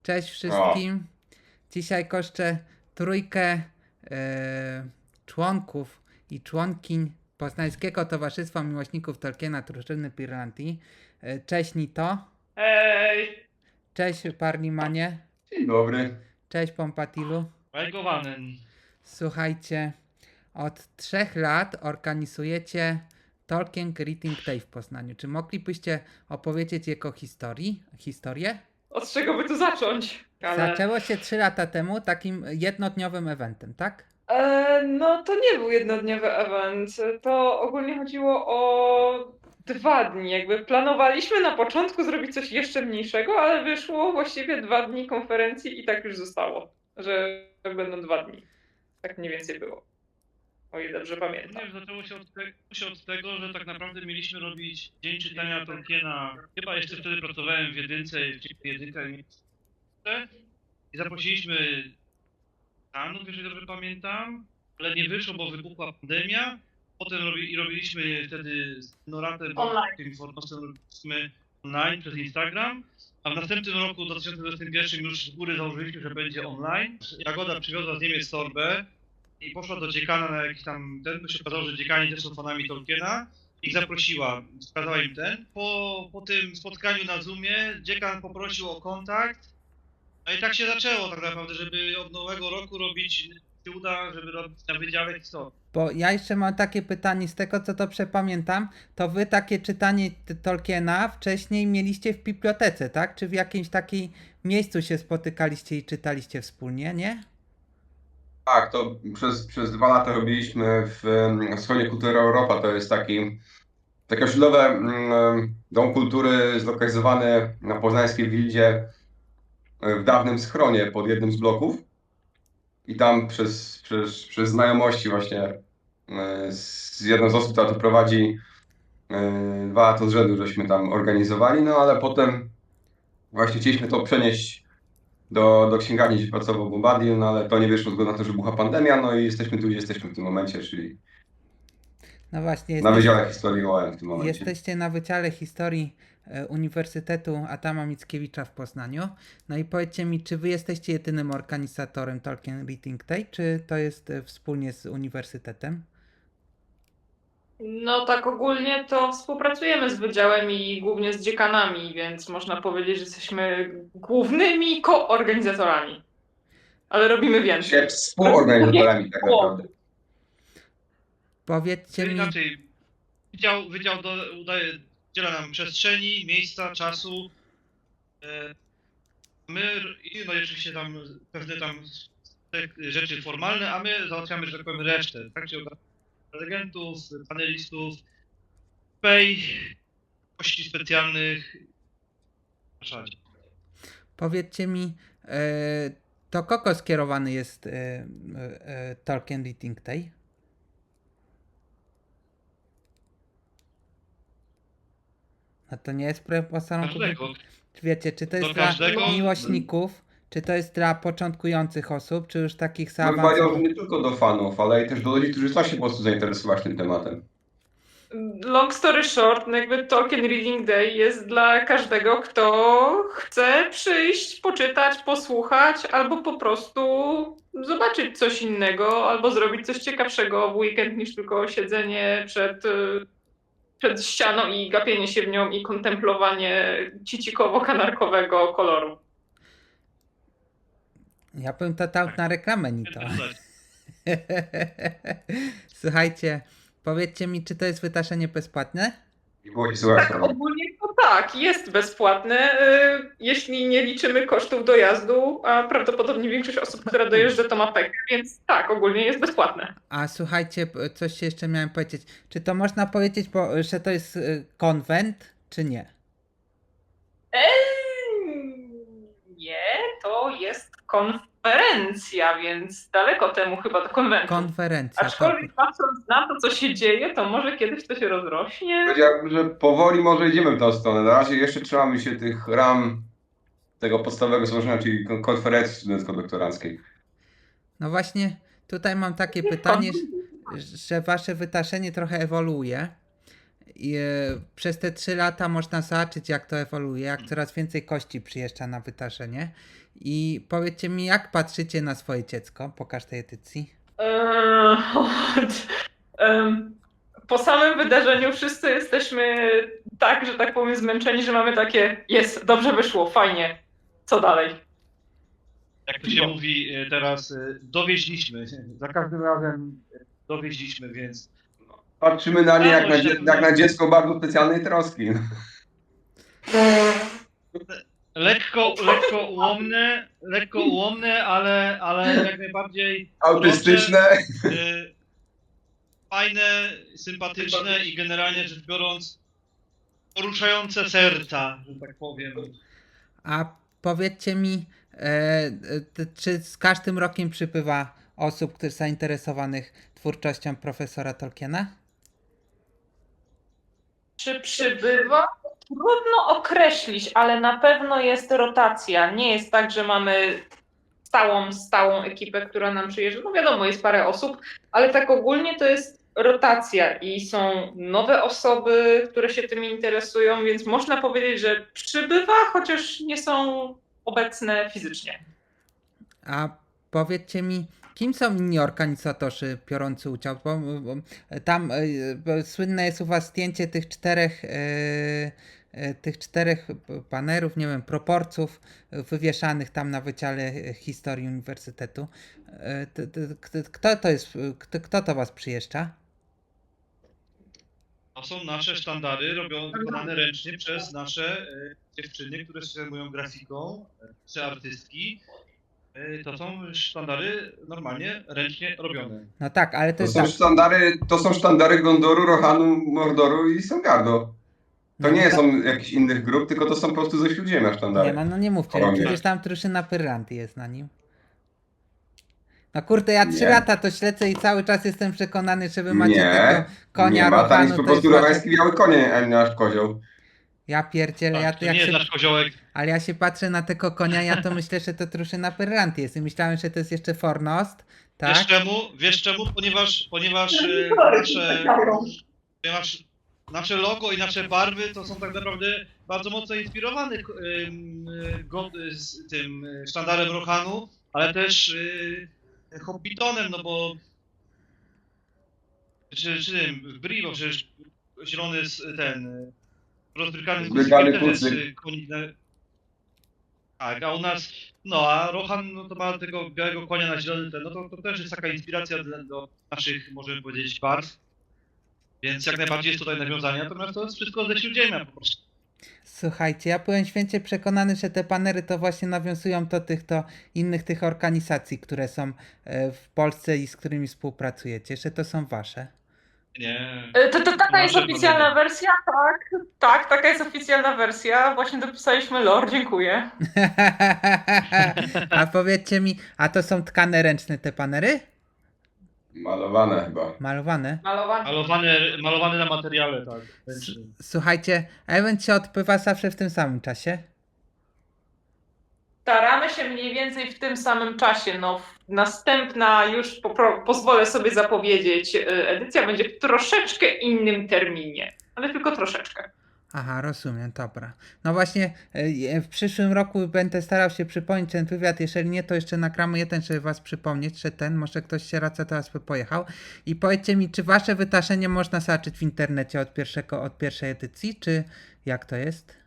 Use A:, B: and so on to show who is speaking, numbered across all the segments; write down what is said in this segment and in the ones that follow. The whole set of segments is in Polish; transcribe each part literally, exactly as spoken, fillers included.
A: Cześć
B: O,
A: wszystkim. Dzisiaj koszczę trójkę e, członków i członkiń Poznańskiego Towarzystwa Miłośników Tolkiena Drużyny Pirlantii. E, cześć Nito.
C: Ej,
A: Cześć Parlimanie.
B: dzień dobry.
A: Cześć Pompatilu.
D: Majgowanen.
A: Słuchajcie, od trzech lat organizujecie Tolkien Greeting Day w Poznaniu. Czy moglibyście opowiedzieć jego historii, historię?
C: od czego by tu zacząć? Ale...
A: Zaczęło się trzy lata temu takim jednodniowym eventem, tak?
C: E, no to nie był jednodniowy event. To ogólnie chodziło o dwa dni. Jakby planowaliśmy na początku zrobić coś jeszcze mniejszego, ale wyszło właściwie dwa dni konferencji i tak już zostało, że będą dwa dni. Tak mniej więcej było. O ile dobrze pamiętam.
D: Nie, zaczęło się od, te, się od tego, że tak naprawdę mieliśmy robić Dzień Czytania Tolkiena. Chyba jeszcze wtedy pracowałem w jedynce, w jedynce i zaprosiliśmy Stanów, jeżeli dobrze pamiętam, ale nie wyszło, bo wybuchła pandemia. Potem robi, robiliśmy wtedy z Noratem,
C: Online.
D: tym Fornosem robiliśmy online przez Instagram, a w następnym roku, w dwa tysiące dwudziestym pierwszym, już z góry założyliśmy, że będzie online. Jagoda przywiozła z Niemiec torbę i poszła do dziekana na jakiś tam ten, bo się okazało, że dziekani też są fanami Tolkiena. Ich zaprosiła, wskazała im ten. Po, po tym spotkaniu na Zoomie dziekan poprosił o kontakt. No i tak się zaczęło tak naprawdę, żeby od nowego roku robić, się uda, żeby robić na Wydziale Historii.
A: Bo ja jeszcze mam takie pytanie, z tego co dobrze pamiętam, to wy takie czytanie t- Tolkiena wcześniej mieliście w bibliotece, tak? Czy w jakimś takim miejscu się spotykaliście i czytaliście wspólnie, nie?
B: Tak, to przez, przez dwa lata robiliśmy w em, Stronie Kultury Europa. To jest taki, takie osiedlowe mm, dom kultury zlokalizowany na poznańskiej Wildzie e, w dawnym schronie pod jednym z bloków. I tam przez, przez, przez znajomości właśnie e, z jedną z osób, która to prowadzi, e, dwa lata z rzędu, żeśmy tam organizowali, no ale potem właśnie chcieliśmy to przenieść do, do księgarni, gdzie pracował Bombardier, no ale to nie wyszło zgodnie na to, że bucha pandemia, no i jesteśmy tu, gdzie jesteśmy w tym momencie, czyli
A: No właśnie,
B: na
A: jesteś,
B: Wydziale Historii O M w tym momencie.
A: jesteście na Wydziale Historii e, Uniwersytetu Adama Mickiewicza w Poznaniu. No i powiedzcie mi, czy wy jesteście jedynym organizatorem Tolkien Reading Day, czy to jest e, wspólnie z uniwersytetem?
C: No tak ogólnie to współpracujemy z wydziałem i głównie z dziekanami, więc można powiedzieć, że jesteśmy głównymi koorganizatorami. Ale robimy więcej.
B: Się współorganizatorami tak naprawdę.
A: Powiedzcie mi,
D: Inaczej, wydział, wydział do, udaje, udziela nam przestrzeni, miejsca, czasu. E, My, i no i oczywiście tam pewne tam te rzeczy formalne, a my załatwiamy, że tak powiem, resztę. Tak się prelegentów, panelistów, pay, gości specjalnych. Zapraszać.
A: Powiedzcie mi, e, to kogo skierowany jest e, e, e, Tolkien Reading Day? No to nie jest propozycją.
D: Każdego.
A: Wiecie, czy to jest
D: Do
A: dla
D: każdego?
A: miłośników, czy to jest dla początkujących osób, czy już takich
B: Bym powiedział, że
A: zaawansowanych?
B: nie tylko do fanów, ale i też do ludzi, którzy chcą się po prostu zainteresować tym tematem.
C: Long story short, no jakby Tolkien Reading Day jest dla każdego, kto chce przyjść, poczytać, posłuchać, albo po prostu zobaczyć coś innego, albo zrobić coś ciekawszego w weekend niż tylko siedzenie przed, y, przed ścianą i gapienie się w nią i kontemplowanie cicikowo-kanarkowego koloru.
A: Ja bym to dał na reklamę, ni to.
D: Dodać.
A: Słuchajcie, powiedzcie mi, czy to jest wytaszenie bezpłatne?
B: I było się słychać.
C: Tak, ogólnie to tak, jest bezpłatne, y, jeśli nie liczymy kosztów dojazdu, a prawdopodobnie większość osób, która dojeżdża, to ma pekę, więc tak, ogólnie jest bezpłatne.
A: A słuchajcie, p- coś się jeszcze miałem powiedzieć. Czy to można powiedzieć, bo, że to jest y, konwent, czy nie?
C: Eee, nie, to jest konferencja, więc daleko temu chyba do konwentu.
A: Konferencja.
C: Aczkolwiek patrząc na to, co się dzieje, to może kiedyś to się rozrośnie.
B: Powiedziałbym, że powoli może idziemy w tą stronę. Na razie jeszcze trzymamy się tych ram tego podstawowego złożenia, czyli kon- konferencji studencko-doktoranckiej.
A: No właśnie, tutaj mam takie pytanie, że- że wasze wytaszenie trochę ewoluuje I, e, przez te trzy lata można zobaczyć, jak to ewoluuje, jak coraz więcej kości przyjeżdża na wydarzenie. I powiedzcie mi, jak patrzycie na swoje dziecko po każdej edycji?
C: Eee, em, Po samym wydarzeniu wszyscy jesteśmy tak, że tak powiem, zmęczeni, że mamy takie, jest, dobrze wyszło, fajnie, co dalej?
D: Jak to się mówi e, teraz, e, dowieźliśmy. Za każdym razem e, dowieźliśmy, więc
B: Patrzymy na nie jak na,
D: Stało
B: dzie-
D: się.
B: jak na dziecko bardzo specjalnej troski.
D: lekko, lekko ułomne, lekko ułomne, ale, ale jak najbardziej
B: Autystyczne.
D: e, fajne, sympatyczne i generalnie rzecz biorąc poruszające serca, że tak powiem.
A: A powiedzcie mi, e, e, czy z każdym rokiem przybywa osób, które zainteresowanych twórczością profesora Tolkiena?
C: Czy przybywa? Trudno określić, ale na pewno jest rotacja. Nie jest tak, że mamy stałą, stałą ekipę, która nam przyjeżdża. No wiadomo, jest parę osób, ale tak ogólnie to jest rotacja i są nowe osoby, które się tym interesują, więc można powiedzieć, że przybywa, chociaż nie są obecne fizycznie.
A: A powiedzcie mi, kim są inni organizatorzy biorący udział? Bo, bo tam e, bo słynne jest u was zdjęcie tych czterech, e, e, tych czterech banerów, nie wiem, proporców wywieszanych tam na Wydziale Historii Uniwersytetu. E, t- t- k- Kto to jest, kto, kto to was przyjeżdża?
D: To są nasze sztandary robione, wykonane ręcznie przez nasze e, dziewczyny, które się zajmują grafiką, e, czy artystki. E, To są sztandary normalnie ręcznie robione.
A: No tak, ale to
B: To
A: jest
B: są
A: tak.
B: sztandary, to są sztandary Gondoru, Rohanu, Mordoru i Songardo. To
A: No,
B: nie
A: tak-
B: są jakichś innych grup, tylko to są po prostu ze Śródziemia sztandary.
A: Nie, no, no nie mówcie,
B: Kolonie.
A: przecież tam drużyna Pyrranty jest na nim. No kurde, ja trzy
B: Nie.
A: lata to śledzę i cały czas jestem przekonany, że wy macie
B: Nie,
A: tego konia
B: nie ma, tam jest
A: Rohanu,
B: po
A: to
B: prostu
A: jest wasze...
B: rohański biały konie, a nie nasz kozioł.
A: Ja pierdzielę, ja,
D: Tak, to
A: jak
D: nie jest
A: się...
D: nasz koziołek.
A: ale ja się patrzę na tego konia, ja to myślę, że to drużyna Pyrranty jest i myślałem, że to jest jeszcze Fornost, tak?
D: Wiesz czemu? Wiesz czemu? Ponieważ, ponieważ e, nasze, ponieważ nasze logo i nasze barwy to są tak naprawdę bardzo mocno inspirowane em, e, go- z tym e, sztandarem Rohanu, ale też e, Hobbitonem, no bo czy, czy tym, w Bri, bo przecież zielony jest ten e, rozbrykany
B: Zbrykany
D: kucyk też jest
B: kucyk.
D: e, konik na... Tak, a u nas, no a Rohan no to ma tego białego konia na zielony ten, no to, to też jest taka inspiracja dla, do naszych, możemy powiedzieć, barw. Więc jak najbardziej jest tutaj nawiązanie, natomiast to jest wszystko ze Śródziemia po prostu.
A: Słuchajcie, ja byłem święcie przekonany, że te banery to właśnie nawiązują do tych to innych tych organizacji, które są e, w Polsce i z którymi współpracujecie, że to są wasze.
D: Nie.
C: E, To, to taka jest
D: Nasze
C: oficjalna
D: banery.
C: wersja, tak? Tak, taka jest oficjalna wersja. Właśnie dopisaliśmy lore, dziękuję.
A: A powiedzcie mi, a to są tkane ręczne te banery?
B: Malowane chyba.
A: Malowane?
C: Malowany.
D: Malowane, malowane na materiale, tak.
A: S- Słuchajcie, event się odbywa zawsze w tym samym czasie?
C: Staramy się mniej więcej w tym samym czasie. No, następna, już popro- pozwolę sobie zapowiedzieć, e, edycja będzie w troszeczkę innym terminie, ale tylko troszeczkę.
A: Aha, rozumiem, dobra. No właśnie, e, w przyszłym roku będę starał się przypomnieć ten wywiad, jeżeli nie, to jeszcze nagramy jeden, żeby was przypomnieć, że ten, może ktoś się raca teraz by pojechał. I powiedzcie mi, czy wasze wydarzenie można zobaczyć w internecie od, pierwszego, od pierwszej edycji, czy jak to jest?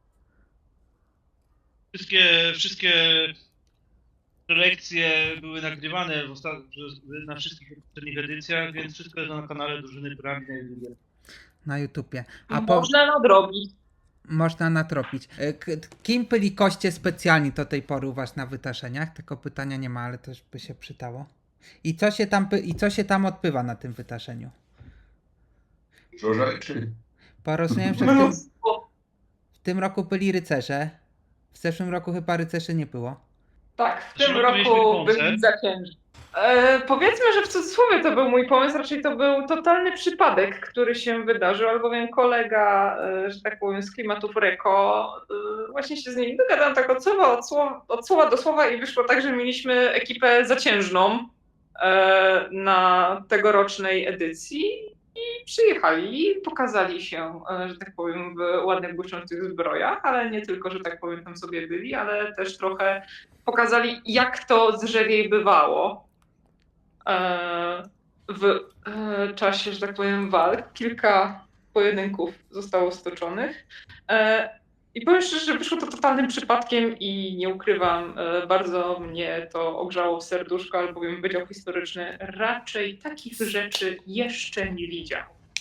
D: Wszystkie, wszystkie prelekcje były nagrywane w osta- w- na wszystkich poprzednich edycjach, więc wszystko jest na kanale Drużyny Pyramid na YouTubie.
A: Na YouTubie. A po...
C: Można nadrobić.
A: Można natropić. E, k- Kim byli goście specjalni do tej pory u was na wydarzeniach? Tego pytania nie ma, ale też by się przydało. I co się tam, py- i co się tam odbywa na tym wydarzeniu?
B: Dużo rzeczy.
A: Bo rozumiem, że w tym,
C: Mnóstwo.
A: w tym roku byli rycerze. W zeszłym roku chyba rycerzy nie było.
C: Tak, w
D: W zeszłym
C: tym
D: roku mieliśmy
C: roku
D: koncert.
C: byli zacięży. E, powiedzmy, że w cudzysłowie to był mój pomysł, raczej to był totalny przypadek, który się wydarzył, albowiem kolega, e, że tak powiem, z klimatów Reko, e, właśnie się z nim dogadałam tak od słowa, od słowa, od słowa do słowa i wyszło tak, że mieliśmy ekipę zaciężną e, na tegorocznej edycji i przyjechali i pokazali się, e, że tak powiem, w ładnych, błyszczących zbrojach, ale nie tylko, że tak powiem, tam sobie byli, ale też trochę pokazali, jak to z Żewiej bywało e, w e, czasie, że tak powiem, walk. Kilka pojedynków zostało stoczonych. E, I powiem szczerze, że wyszło to totalnym przypadkiem i nie ukrywam, e, bardzo mnie to ogrzało w serduszko, albowiem Wydział Historyczny raczej takich rzeczy jeszcze nie widział.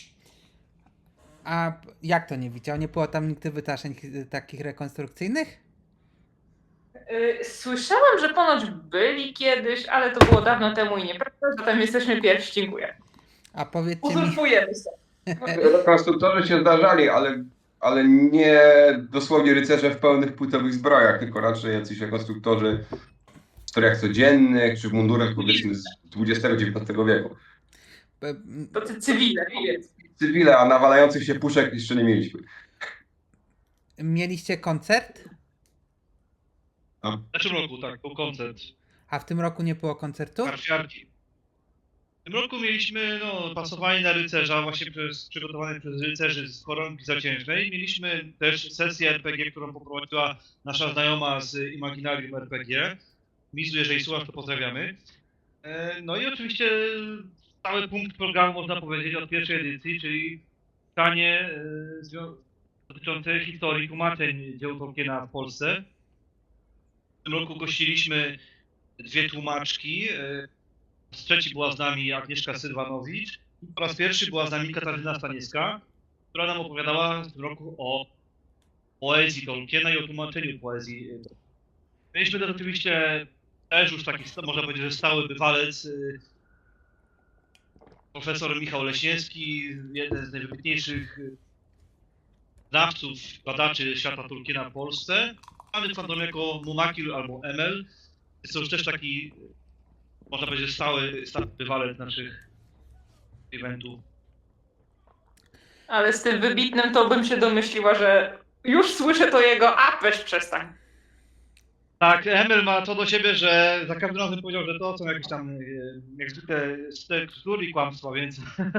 A: A p- jak to nie widział? Nie było tam nigdy wydarzeń chi- takich rekonstrukcyjnych?
C: E, Słyszałam, że ponoć byli kiedyś, ale to było dawno temu i nieprawda, zatem jesteśmy pierwsi. Dziękuję.
A: A powiedzcie mi,
C: Uzurpujemy sobie.
B: Rekonstruktorzy się zdarzali, ale, ale nie dosłownie rycerze w pełnych płytowych zbrojach, tylko raczej jacyś rekonstruktorzy w strojach codziennych, czy w mundurach powiedzmy z dwudziestego dziewiętnastego wieku.
A: p- m,
C: To ty cywile, powiedz.
B: Cywile, a nawalających się puszek jeszcze nie mieliśmy.
A: mieliście koncert?
D: W zeszłym roku, tak, był koncert
A: A w tym roku nie było koncertu?
D: karciarki. W tym roku mieliśmy no, pasowanie na rycerza, właśnie przez, przygotowane przez rycerzy z koronki zaciężnej. Mieliśmy też sesję er pe gie, którą poprowadziła nasza znajoma z Imaginarium er pe gie. Mizu, jeżeli słuchasz, to pozdrawiamy. E, No i oczywiście cały punkt programu, można powiedzieć, od pierwszej edycji, czyli czytanie e, zwią- dotyczące historii tłumaczeń dzieł Tolkiena w Polsce. W tym roku gościliśmy dwie tłumaczki. e, Z trzeci była z nami Agnieszka Sylwanowicz. Po raz pierwszy była z nami Katarzyna Staniewska, która nam opowiadała w tym roku o poezji Tolkiena i o tłumaczeniu poezji. Mieliśmy też oczywiście też już taki, można powiedzieć, że stały bywalec, y, profesor Michał Leśniewski, jeden z najwybitniejszych y, znawców, badaczy świata Tolkiena w Polsce, znany fandom jako Mumakil albo Emel. Jest to już też taki, można powiedzieć, stały, stały bywalec naszych eventów.
C: Ale z tym wybitnym to bym się domyśliła, że już słyszę to jego, a weź przestań.
D: Tak, Emel ma to do siebie, że za każdym razem powiedział, że to są jakieś tam, e, jak zwykle, tekstury i kłamstwa, więc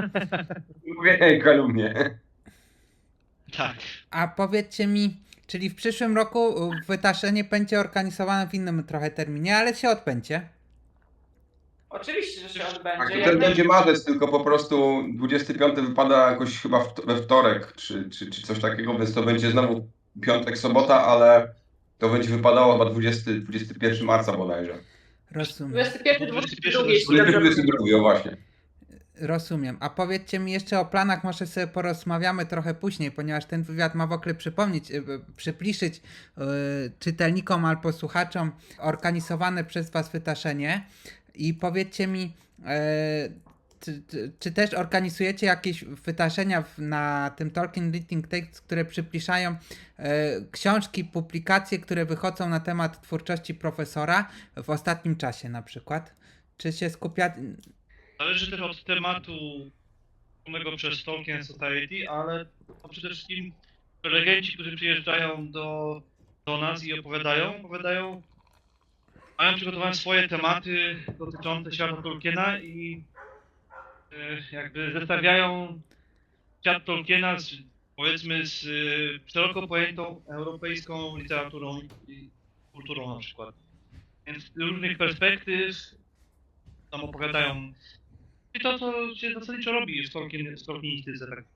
B: Mówię, kalumnie.
D: tak.
A: A powiedzcie mi, czyli w przyszłym roku y, wydarzenie będzie organizowane w innym trochę terminie, ale się odbędzie.
C: Oczywiście, że się
B: Tak,
C: odbędzie.
B: to
C: Jak
B: ten
C: naj-
B: będzie marzec, tylko po prostu dwudziesty piąty wypada jakoś chyba w, we wtorek, czy, czy, czy coś takiego, więc to będzie znowu piątek, sobota, ale to będzie wypadało chyba dwudziestego, dwudziestego pierwszego marca bodajże.
A: Rozumiem.
C: dwudziesty pierwszy,
D: dwudziesty
C: dwudziesty
D: pierwszy,
C: drugi, jeśli dobrze
B: dwudziesty drugi, o właśnie.
A: Rozumiem. A powiedzcie mi jeszcze o planach, może sobie porozmawiamy trochę później, ponieważ ten wywiad ma w ogóle przypomnieć, y, y, przypliszyć y, czytelnikom albo słuchaczom organizowane przez Was wydarzenie. I powiedzcie mi, e, czy, czy, czy też organizujecie jakieś wydarzenia w, na tym Tolkien Reading Text, które przypliszają e, książki, publikacje, które wychodzą na temat twórczości profesora w ostatnim czasie na przykład? Czy się skupia...
D: Zależy też od tematu tworzonego przez Tolkien Society, ale to przede wszystkim prelegenci, którzy przyjeżdżają do, do nas i opowiadają, opowiadają, mają przygotowane swoje tematy dotyczące świata Tolkiena i e, jakby zestawiają świat Tolkiena z, powiedzmy, z e, szeroko pojętą europejską literaturą i kulturą na przykład. Więc z różnych perspektyw tam opowiadają i to, co się zasadniczo robi w Tolkien, w tolkienistyce. Tak.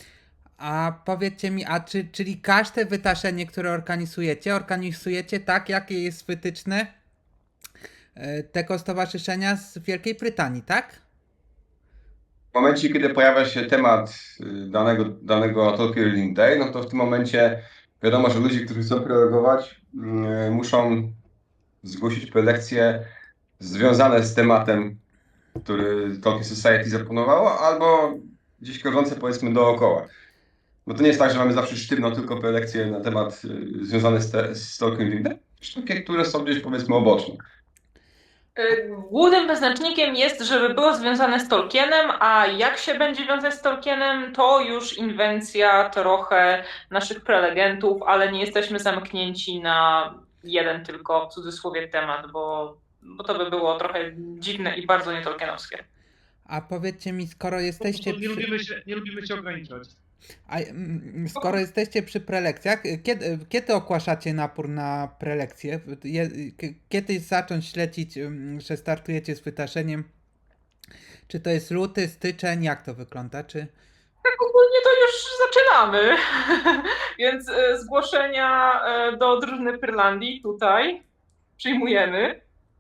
A: A powiedzcie mi, a czy, czyli każde wydarzenie, które organizujecie, organizujecie tak, jakie jest wytyczne e, tego stowarzyszenia z Wielkiej Brytanii, tak?
B: W momencie, kiedy pojawia się temat y, danego, danego Tolkien Reading Day, no to w tym momencie wiadomo, że ludzie, którzy chcą prelegować, y, muszą zgłosić prelekcje związane z tematem, który Tolkien Society zaproponowało, albo gdzieś krążące powiedzmy dookoła. Bo to nie jest tak, że mamy zawsze sztywno tylko prelekcje na temat y, związany z, te, z Tolkien Reading Day, takie, które są gdzieś powiedzmy oboczne.
C: Y, Głównym wyznacznikiem jest, żeby było związane z Tolkienem, a jak się będzie wiązać z Tolkienem, to już inwencja trochę naszych prelegentów, ale nie jesteśmy zamknięci na jeden tylko w cudzysłowie temat, bo, bo to by było trochę dziwne i bardzo nietolkienowskie.
A: A powiedzcie mi, skoro
D: Po
A: jesteście
D: prostu nie
A: przy,
D: lubimy się, nie lubimy się ograniczać.
A: a, mm, skoro jesteście przy prelekcjach, kiedy, kiedy ogłaszacie napór na prelekcje? Je, k- kiedy zacząć śledzić, mm, że startujecie z wytaszeniem? Czy to jest luty, styczeń? Jak to wygląda? Czy...
C: Tak ogólnie to już zaczynamy. Więc e, zgłoszenia e, do drużyny Pyrlandii tutaj przyjmujemy.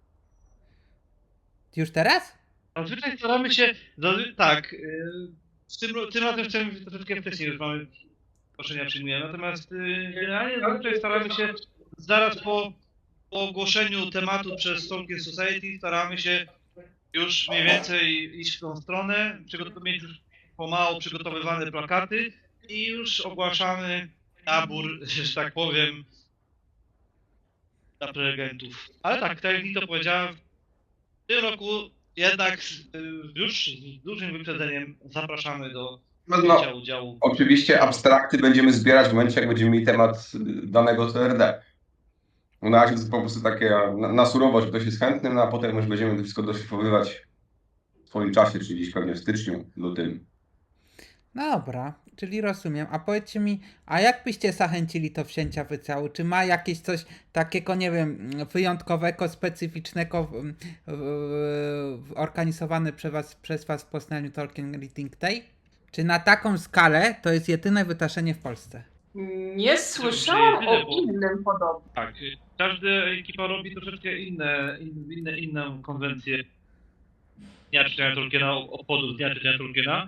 A: Już teraz?
D: Zazwyczaj staramy się, zazwy- tak, yy, z tym, tym razem chcemy troszeczkę wcześniej już mamy zgłoszenia przyjmujemy, natomiast yy, generalnie zazwyczaj staramy się zaraz po, po ogłoszeniu tematu przez Tolkien Society staramy się już mniej więcej iść w tą stronę, przygotow- mieć już pomału przygotowywane plakaty i już ogłaszamy nabór, że tak powiem, dla prelegentów. Ale tak, tak jak Nito powiedziałem, w tym roku jednak y, już z dużym wyprzedzeniem zapraszamy do
B: No,
D: wzięcia
B: no,
D: udziału.
B: oczywiście abstrakty będziemy zbierać w momencie, jak będziemy mieli temat y, danego T R D. No, na razie to jest po prostu takie na, na surowo, że ktoś jest chętny, no a potem już będziemy to wszystko doszlifowywać w swoim czasie, czyli gdzieś pewnie w styczniu, lutym.
A: No dobra, czyli rozumiem. A powiedzcie mi, a jak byście zachęcili to wzięcia wycału? Czy ma jakieś coś takiego, nie wiem, wyjątkowego, specyficznego w, w, w, organizowane przez was, przez was w Poznaniu Tolkien Reading Day? Czy na taką skalę to jest jedyne wytaszenie w Polsce?
C: Nie słyszałam
D: jedyne,
C: o
D: bo-
C: innym podobnym.
D: Tak, y, każda ekipa robi troszeczkę inne, in, inne, inną konwencję Dnia Czytania Tolkiena, obchodów Dnia Czytania Tolkiena.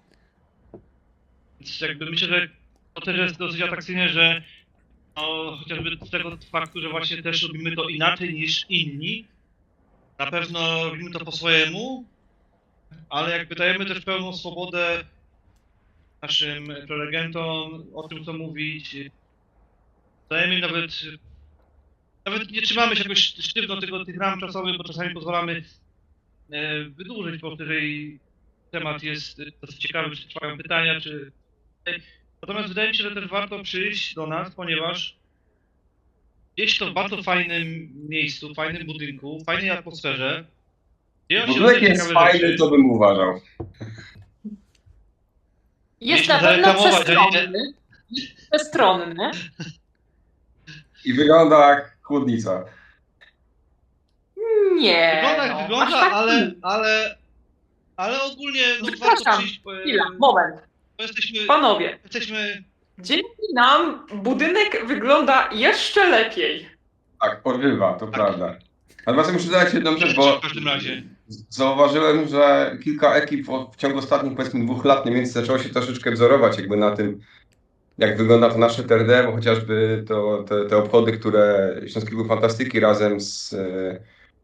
D: Więc jakby myślę, że to też jest dosyć atrakcyjne, że no, chociażby z tego faktu, że właśnie też robimy to inaczej niż inni. Na pewno robimy to po swojemu, ale jakby dajemy też pełną swobodę naszym prelegentom o tym, co mówić. Dajemy im nawet, nawet nie trzymamy się jakoś sztywno tego, tych ram czasowych, bo czasami pozwalamy e, wydłużyć, bo jeżeli temat jest dosyć ciekawy, czy trwają pytania, czy... Natomiast wydaje mi się, że też warto przyjść do nas, ponieważ jest to w bardzo fajnym miejscu, fajnym budynku, fajnej atmosferze. Dzieją się
B: Budynek
D: różne
B: jest
D: ciekawe
B: fajny,
D: rzeczy.
B: to bym uważał.
C: Jest
D: Mieliśmy
C: na pewno
D: zareklamować, że nie-
C: przestronny. Przestronny.
B: I wygląda jak chłodnica.
C: Nie.
D: Wygląda jak
C: no,
D: wygląda,
C: aż tak
D: ale,
C: nie.
D: ale, ale ogólnie no, warto
C: Przepraszam,
D: przyjść, bo,
C: Chwila, moment.
D: bo jesteśmy,
C: Panowie,
D: jesteśmy
C: dzięki nam budynek wygląda jeszcze lepiej.
B: Tak, porywa, to prawda. Natomiast muszę dodać jedną rzecz, bo
D: w każdym razie.
B: zauważyłem, że kilka ekip w ciągu ostatnich powiedzmy dwóch lat mniej więcej zaczęło się troszeczkę wzorować jakby na tym, jak wygląda to nasze T R D, bo chociażby to, te, te obchody, które Śląskiego Fantastyki razem z, e,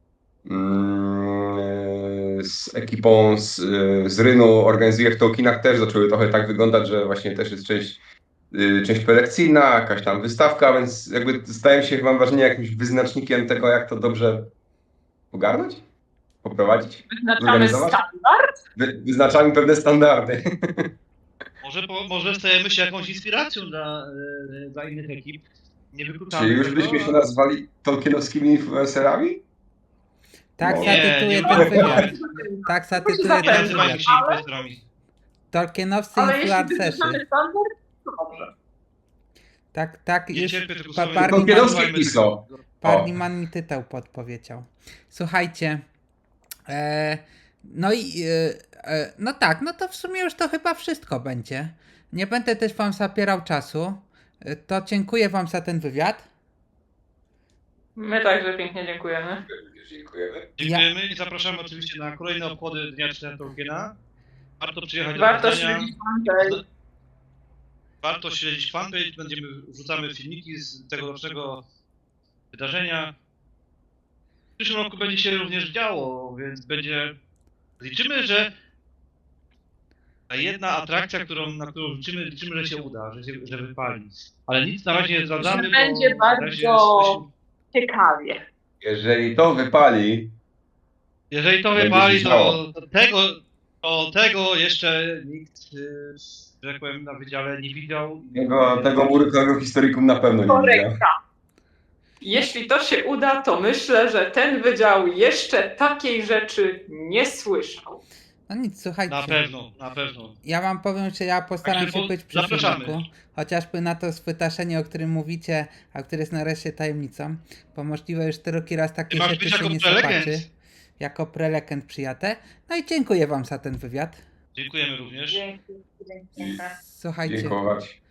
B: mm, z ekipą z, z Rynu organizuje w Tolkienach, też zaczęły trochę tak wyglądać, że właśnie też jest część, y, część prelekcyjna, jakaś tam wystawka, więc jakby stają się, mam wrażenie, jakimś wyznacznikiem tego, jak to dobrze ogarnąć, poprowadzić.
C: Wyznaczamy
B: Zorganizować?
C: standard.
B: Wy, wyznaczamy pewne standardy.
D: Może, po, może stajemy się jakąś inspiracją dla, e, dla innych ekip. Nie wykluczamy
B: Czy już
D: tego,
B: byśmy się
D: a-
B: nazwali tolkienowskimi influencerami?
A: Tak
B: No.
A: zatytuję
D: nie,
A: ten
D: nie
A: wywiad.
C: Nie
A: Tak
C: się
A: zatytuję
D: Nie
A: ten
C: zapewne.
D: nazywajmy
A: wywiad.
D: się impostorami.
A: Tolkienowscy
C: Ale jeśli
A: influencerzy.
C: wyznaczamy standard, to dobrze.
A: Tak, tak,
D: Nie
A: już
D: cierpię tego
A: pa-
D: słowa.
A: Parni
B: Tolkienowskie
A: man,
B: piso.
A: Parniman mi tytuł podpowiedział. Słuchajcie, e, no i e, e, no tak, no to w sumie już to chyba wszystko będzie. Nie będę też wam zapierał czasu. E, To dziękuję wam za ten wywiad.
C: My także pięknie dziękujemy.
B: Dziękujemy.
D: Dziękujemy i zapraszamy oczywiście na kolejne obchody Dnia Czytania Tolkiena. Warto przyjechać do
C: Warto
D: Poznania.
C: śledzić fanpage.
D: Warto śledzić fanpage, będziemy wrzucamy filmiki z tegorocznego wydarzenia. W przyszłym roku będzie się również działo, więc będzie... Liczymy, że ta jedna atrakcja, którą, na którą liczymy, liczymy, że się uda, że, się, że wypali. Ale nic na razie nie zdradzamy,
C: Że
D: bo
C: będzie
D: na razie
C: bardzo- Ciekawie.
B: Jeżeli to wypali,
D: jeżeli to
B: będzie
D: wypali,
B: się
D: to,
B: działo.
D: to tego, to tego jeszcze nikt, y, że tak powiem, na wydziale nie widział.
B: tego, tego murykowego historykum na pewno nie widział.
C: Korekta. Jeśli to się uda, to myślę, że ten wydział jeszcze takiej rzeczy nie słyszał.
A: No nic, słuchajcie.
D: Na pewno, na pewno.
A: Ja wam powiem, że ja postaram
D: Także
A: się
D: po-
A: być w przyszłym
D: zapraszamy.
A: roku. Chociażby na to spytaszenie, o którym mówicie, a które jest nareszcie tajemnicą. Bo możliwe już drugi raz takie
D: Ty masz
A: rzeczy
D: być
A: się
D: jako
A: nie
D: prelegent.
A: zobaczy. Jako prelegent przyjadę. No i dziękuję wam za ten wywiad.
D: Dziękujemy również.
C: Dzięki, dzięki.
A: Słuchajcie,
B: Dziękować.